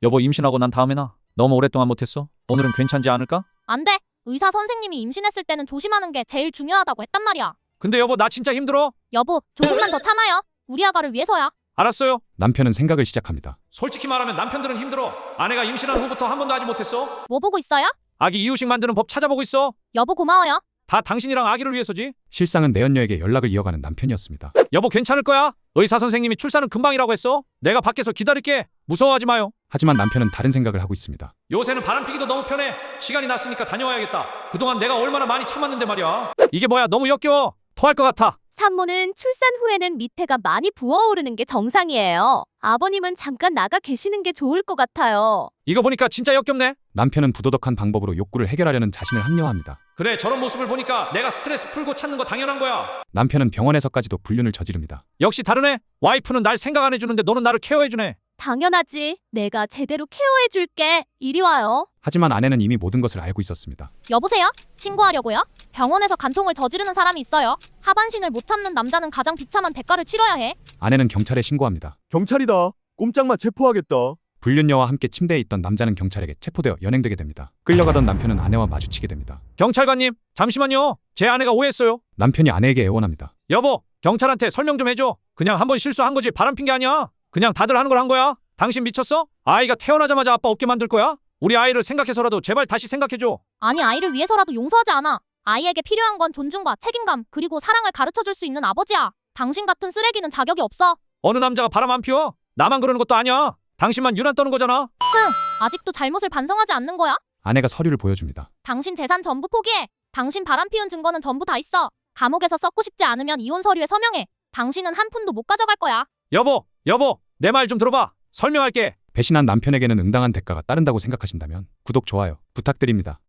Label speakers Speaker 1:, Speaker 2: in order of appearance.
Speaker 1: 여보 임신하고 난 다음에 나 너무 오랫동안 못했어. 오늘은 괜찮지 않을까?
Speaker 2: 안 돼. 의사 선생님이 임신했을 때는 조심하는 게 제일 중요하다고 했단 말이야.
Speaker 1: 근데 여보 나 진짜 힘들어.
Speaker 2: 여보, 조금만 더 참아요. 우리 아가를 위해서야.
Speaker 1: 알았어요.
Speaker 3: 남편은 생각을 시작합니다.
Speaker 1: 솔직히 말하면 남편들은 힘들어. 아내가 임신한 후부터 한 번도 하지 못했어.
Speaker 2: 뭐 보고 있어요?
Speaker 1: 아기 이유식 만드는 법 찾아보고 있어.
Speaker 2: 여보 고마워요.
Speaker 1: 다 당신이랑 아기를 위해서지.
Speaker 3: 실상은 내연녀에게 연락을 이어가는 남편이었습니다.
Speaker 1: 여보 괜찮을 거야. 의사 선생님이 출산은 금방이라고 했어. 내가 밖에서 기다릴게. 무서워하지 마요.
Speaker 3: 하지만 남편은 다른 생각을 하고 있습니다.
Speaker 1: 요새는 바람피기도 너무 편해. 시간이 났으니까 다녀와야겠다. 그동안 내가 얼마나 많이 참았는데 말이야. 이게 뭐야 너무 역겨워. 토할 것 같아.
Speaker 4: 산모는 출산 후에는 밑에가 많이 부어오르는 게 정상이에요. 아버님은 잠깐 나가 계시는 게 좋을 것 같아요.
Speaker 1: 이거 보니까 진짜 역겹네.
Speaker 3: 남편은 부도덕한 방법으로 욕구를 해결하려는 자신을 합리화합니다.
Speaker 1: 그래 저런 모습을 보니까 내가 스트레스 풀고 찾는 거 당연한 거야.
Speaker 3: 남편은 병원에서까지도 불륜을 저지릅니다.
Speaker 1: 역시 다르네. 와이프는 날 생각 안 해주는데 너는 나를 케어해주네.
Speaker 4: 당연하지. 내가 제대로 케어해줄게. 이리 와요.
Speaker 3: 하지만 아내는 이미 모든 것을 알고 있었습니다.
Speaker 2: 여보세요? 신고하려고요? 병원에서 간통을 저지르는 사람이 있어요. 하반신을 못 참는 남자는 가장 비참한 대가를 치러야 해.
Speaker 3: 아내는 경찰에 신고합니다.
Speaker 5: 경찰이다. 꼼짝마 체포하겠다.
Speaker 3: 불륜녀와 함께 침대에 있던 남자는 경찰에게 체포되어 연행되게 됩니다. 끌려가던 남편은 아내와 마주치게 됩니다.
Speaker 1: 경찰관님 잠시만요. 제 아내가 오해했어요.
Speaker 3: 남편이 아내에게 애원합니다.
Speaker 1: 여보 경찰한테 설명 좀 해줘. 그냥 한번 실수한 거지 바람핀 게 아니야. 그냥 다들 하는 걸 한 거야. 당신 미쳤어? 아이가 태어나자마자 아빠 없게 만들 거야? 우리 아이를 생각해서라도 제발 다시 생각해줘.
Speaker 2: 아니 아이를 위해서라도 용서하지 않아. 아이에게 필요한 건 존중과 책임감 그리고 사랑을 가르쳐줄 수 있는 아버지야. 당신 같은 쓰레기는 자격이 없어.
Speaker 1: 어느 남자가 바람 안 피워? 나만 그러는 것도 아니야. 당신만 유난 떠는 거잖아.
Speaker 2: 아직도 잘못을 반성하지 않는 거야?
Speaker 3: 아내가 서류를 보여줍니다.
Speaker 2: 당신 재산 전부 포기해. 당신 바람 피운 증거는 전부 다 있어. 감옥에서 썩고 싶지 않으면 이혼 서류에 서명해. 당신은 한 푼도 못 가져갈 거야.
Speaker 1: 여보 내 말 좀 들어봐. 설명할게.
Speaker 3: 배신한 남편에게는 응당한 대가가 따른다고 생각하신다면 구독, 좋아요 부탁드립니다.